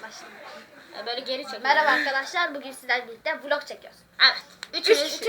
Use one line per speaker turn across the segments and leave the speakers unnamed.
başlayalım.
Böyle geri çekelim.
Merhaba arkadaşlar, bugün sizlerle birlikte vlog çekiyoruz.
Evet. Üçümüz.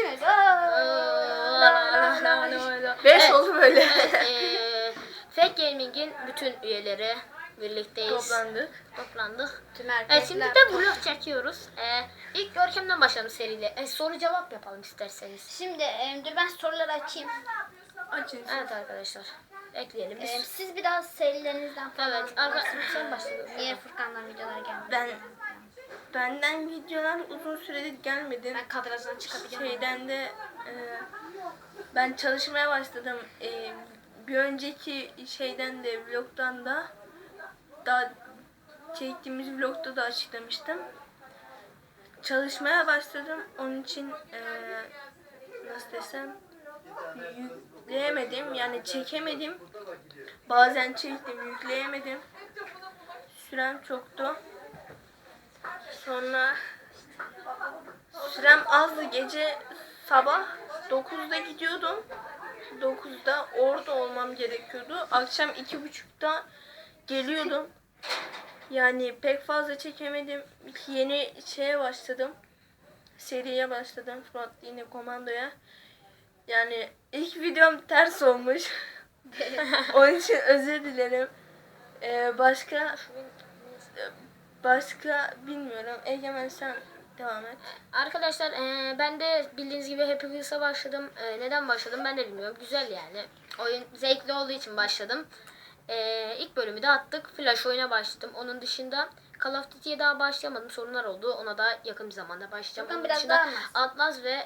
Beş oldu böyle.
Evet, Fake Gaming'in bütün üyeleri birlikteyiz. Toplandık.
Tüm
Evet,
erkekler.
şimdi de vlog çekiyoruz. İlk Görkem'den başlayalım seriyle. Soru cevap yapalım isterseniz.
Şimdi dur ben soruları açayım.
Açın.
Evet arkadaşlar. Ekleyelim biz.
Siz biraz serilerinizden falan.
Evet. Sen başladın.
Niye Furkan'dan videolar gelmedi?
Benden videolar uzun süredir gelmedi.
Ben kadrajdan çıkabiliyorum.
Şeyden de ben çalışmaya başladım. Bir önceki şeyden de vlogdan da daha çektiğimiz vlogda da açıklamıştım. Çalışmaya başladım. Onun için nasıl desem yükleyemedim. Yani çekemedim. Bazen çektim, yükleyemedim. Sürem çoktu. Sonra sürem azdı. Gece sabah 9'da gidiyordum. 9'da orada olmam gerekiyordu. Akşam 2.30'da geliyordum. Yani pek fazla çekemedim. Yeni şeye başladım. Seriye başladım. Fırat yine komandoya. Yani ilk videom ters olmuş. Onun için özür dilerim. Başka bilmiyorum. Egemen sen devam et.
Arkadaşlar ben de bildiğiniz gibi Happy Wheels'a başladım. Neden başladım ben de bilmiyorum. Güzel yani. Oyun zevkli olduğu için başladım. İlk bölümü de attık. Flash oyuna başladım. Onun dışında Call of Duty'ye daha başlayamadım. Sorunlar oldu. Ona da yakın bir zamanda başlayacağım.
Furkan
Onun
biraz
dışında
daha anlat.
Atlas ve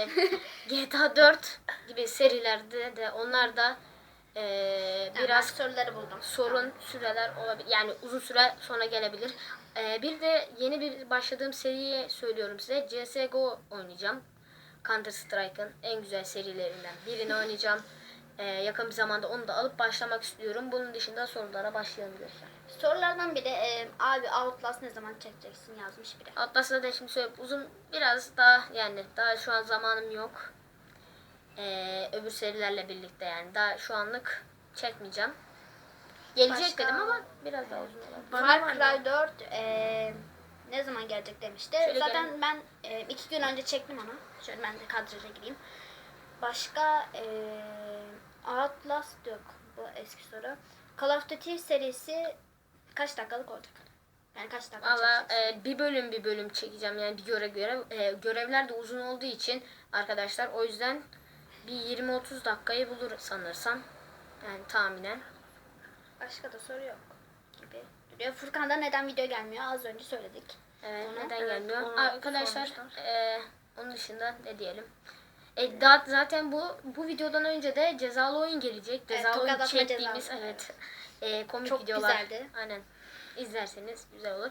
GTA 4 gibi serilerde de onlar da biraz
soruları buldum.
sorun süreler olabilir. Yani uzun süre sonra gelebilir. Bir de yeni bir başladığım seriyi söylüyorum size. CSGO oynayacağım. Counter Strike'ın en güzel serilerinden birini oynayacağım. Yakın bir zamanda onu da alıp başlamak istiyorum. Bunun dışında sorulara başlayabiliriz.
Sorulardan biri abi Outlast ne zaman çekeceksin yazmış biri.
Atlas'ta da şimdi söyleyeyim. Uzun biraz daha yani daha şu an zamanım yok. Öbür serilerle birlikte yani. Daha şu anlık çekmeyeceğim. Gelecek
Başka?
dedim ama biraz daha uzun olabilir.
Far Cry 4 ne zaman gelecek demişti.
Şöyle
Zaten
gelin.
ben 2 gün önce çektim onu. Şöyle ben de kadraja gireyim. Başka Outlast yok. Bu eski soru. Call of Duty serisi kaç dakikalık olacak? Yani kaç dakika
Valla
çekeceksin?
bir bölüm çekeceğim yani bir görevler de uzun olduğu için arkadaşlar o yüzden bir 20-30 dakikayı bulur sanırsam yani tahminen.
Başka da soru yok gibi duruyor. Furkan'da neden video gelmiyor? Az önce söyledik.
Evet,
Onu-
neden
evet,
gelmiyor?
onu
Arkadaşlar
sormuşlar.
onun dışında ne diyelim? Zaten bu videodan önce de cezalı oyun gelecek. Cezalı
Tokat
oyun
atma
çektiğimiz
cezası.
komik
Çok
videolar.
güzeldi.
Aynen. İzlerseniz güzel olur.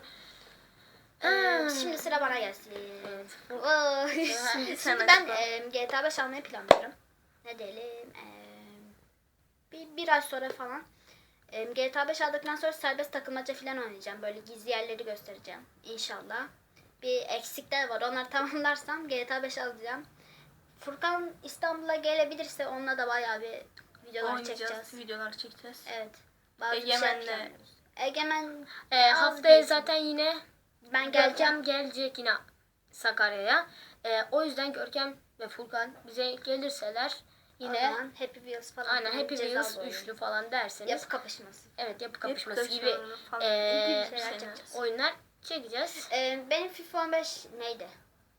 Şimdi sıra bana gelsin.
Evet.
Şimdi
sen
ben
açıkla.
GTA 5 almayı planlıyorum. Ne diyelim? Bir ay sonra falan. GTA 5 aldıktan sonra serbest takılmaca falan oynayacağım. Böyle gizli yerleri göstereceğim. İnşallah. Bir eksikler var. Onları tamamlarsam GTA 5 alacağım. Furkan İstanbul'a gelebilirse onunla da bayağı bir videolar çekeceğiz.
Videolar çekeceğiz.
Evet. Bazı
Egemen'le-
bir şey planlıyoruz. Egemen
Haftaya
az
zaten yine
ben geleceğim.
Görkem gelecek yine Sakarya'ya. O yüzden Görkem ve Furkan bize gelirseler
Yine
yine
Happy Wheels falan.
aynen Happy
cezalı
Wheels
oyun.
üçlü falan derseniz
Yapı kapışması.
evet yapı kapışması gibi
kapışmaları falan.
İlginç şeyler
şeyler,
çekeceğiz.
oyunlar çekeceğiz.
Benim FIFA 15 neydi?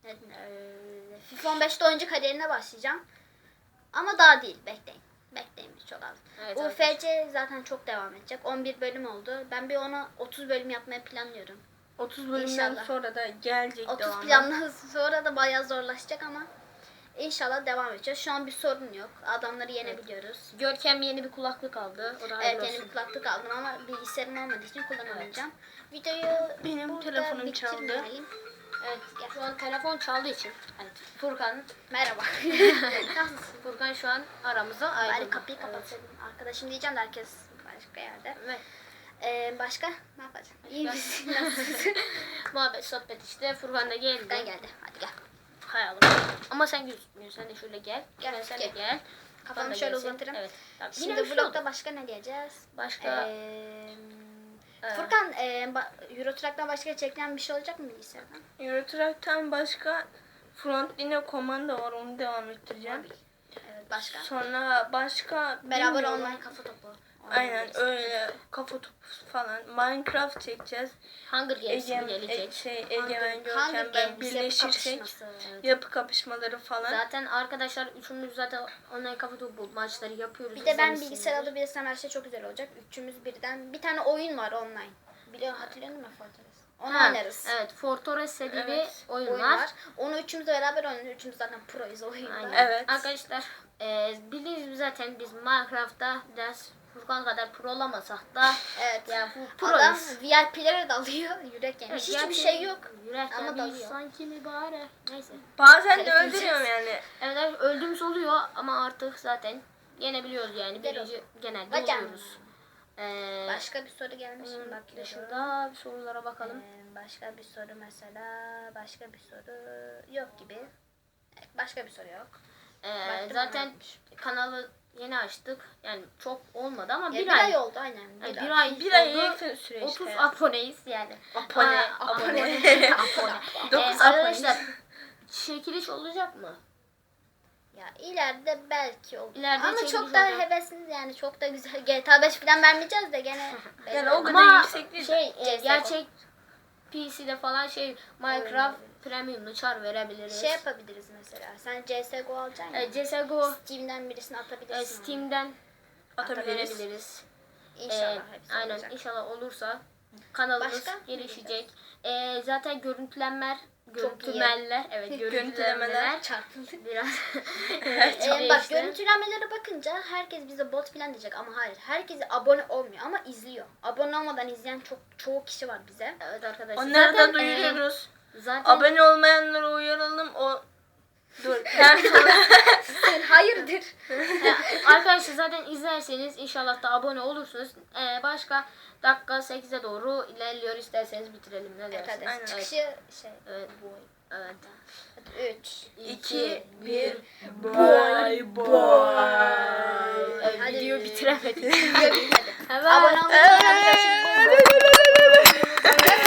FIFA 15'te oyuncu kariyerine başlayacağım. Ama daha değil. Bekleyin. Bekleyin çok az.
Evet,
UFC zaten çok devam edecek. 11 bölüm oldu. Ben bir ona 30 bölüm yapmayı planlıyorum.
30 bölümden
İnşallah.
sonra da gelecek
30
devamı.
plandan sonra da bayağı zorlaşacak ama inşallah devam edeceğiz. Şu an bir sorun yok. Adamları yenebiliyoruz.
Görkem yeni bir kulaklık aldı. O da
Evet
hayırlı
yeni bir
olsun.
kulaklık aldım ama bilgisayarım olmadığı için kullanamayacağım. Videoyu
Benim
burada
telefonum çaldı.
bitirmeyelim.
Evet, şu an telefon çaldığı için. Evet, Furkan.
Merhaba. Nasılsın?
Furkan şu an aramızda
Bari
ayrıldı.
kapıyı kapatsaydım. Arkadaşım diyeceğim de herkes başka yerde.
Evet.
Başka ne yapacağım? İyi misin? Nasılsın?
Muhabbet sohbet işte. Furkan da geldi.
Ben geldi. Hadi gel.
Kayalım. Ama sen gözükmüyorsun. Sen de şöyle gel.
Gel,
Sen de
gel.
gel.
Kafamı
Furkan da
şöyle
gelsin.
uzatırım.
Evet. Tamam.
Şimdi
Yine
vlogda başka ne diyeceğiz?
Başka
Furkan Euro Truck'tan başka çekilen bir şey olacak mı bilgisayardan?
Euro Truck'tan başka Frontline komando var, onu devam ettireceğim.
Evet, başka?
Sonra başka
Beraber
bilmiyorum.
online kafa topu.
Aynen
oynayabiliriz.
öyle kafa topu falan. Minecraft çekeceğiz.
Hunger Games mi gelecek?
Egemen
Hunger
Görkem ben
Games, yapı
birleşirsek
kapışması.
yapı kapışmaları falan.
Zaten arkadaşlar üçümüz zaten online kafa topu maçları yapıyoruz.
Bir de ben
İzlemişsinizdir.
bilgisayar alabilirsem her şey çok güzel olacak. Üçümüz birden. Bir tane oyun var online. Hatırlıyor musun Fortress? Onu
Ha,
oynarız.
Evet, Fortress diye bir
Evet,
oyun,
Oyun
var.
var. Onu üçümüz de beraber oynuyoruz. Üçümüz zaten proyuz oyunda.
Aynen.
Evet.
Arkadaşlar bildiğiniz gibi zaten biz Minecraft'ta biraz Furkan kadar pro olamasak da
Evet.
yani bu
Adam
proyuz.
VIP'lere dalıyor. Yürek yemiş. Hiçbir
gerçi
şey yok.
Yürek
Ama
ama
dalıyor.
sanki mübarek. Neyse.
Bazen de
Telif
öldürüyorum yani.
Evet öldüğümüz oluyor ama artık zaten yenebiliyoruz yani.
Güzel
Birinci genelde
Hocam.
oluyoruz.
Başka bir soru gelmiş mi?
Bunun
Bakıyorum.
dışında bir sorulara bakalım.
Başka bir soru mesela. Başka bir soru yok gibi. Başka bir soru yok. Baktım
Zaten
ama yokmuş.
kanalı yeni açtık. Yani çok olmadı ama
Ya
bir
bir
ay.
ay oldu aynen.
Yani
Bir
bir
ay.
ay
Bir ay
oldu.
yakın süre
30
işte.
aboneyiz yani.
Abone,
Aa,
abone.
abone.
9
Arkadaşlar çekiliş olacak mı?
Ya ileride belki olur.
İleride
Ama
çekiliş
çok da
olacak.
hevesli yani çok da güzel. GTA 5 falan vermeyeceğiz de gene.
Yani o kadar
Ama
yüksek değil.
şey
CS:GO.
gerçek PC'de falan Minecraft
Oyun
Premium'lu çar verebiliriz.
Şey yapabiliriz mesela. Sen CSGO alacaksın ya.
CSGO
Steam'den birisini atabilirsin.
Steam'den
Atabiliriz.
verebiliriz.
İnşallah hepsi
Aynen
olacak.
inşallah olursa kanalımız
Başka?
gelişecek. Zaten görüntülenmeler evet
Görüntülemeler.
görüntülemeler
Çarpıldık.
biraz
Bak
değişti.
görüntülenmelere bakınca herkes bize bot falan diyecek ama hayır. Herkes abone olmuyor ama izliyor. Abone olmadan izleyen çoğu kişi var bize.
Evet arkadaşlar.
Onları
zaten,
da duyuruyoruz.
zaten
Abone olmayanları uyaralım. Dur. Her soru.
Sen hayırdır?
arkadaşlar zaten izlerseniz inşallah da abone olursunuz. Başka dakika 8'e doğru ilerliyor, isterseniz bitirelim ne
Evet,
dersiniz?
hadi.
Aynen.
Çıkışı şey.
Evet. Evet.
3.
2, 1.
Bye
Bye bye.
Video bitiremedik.
Video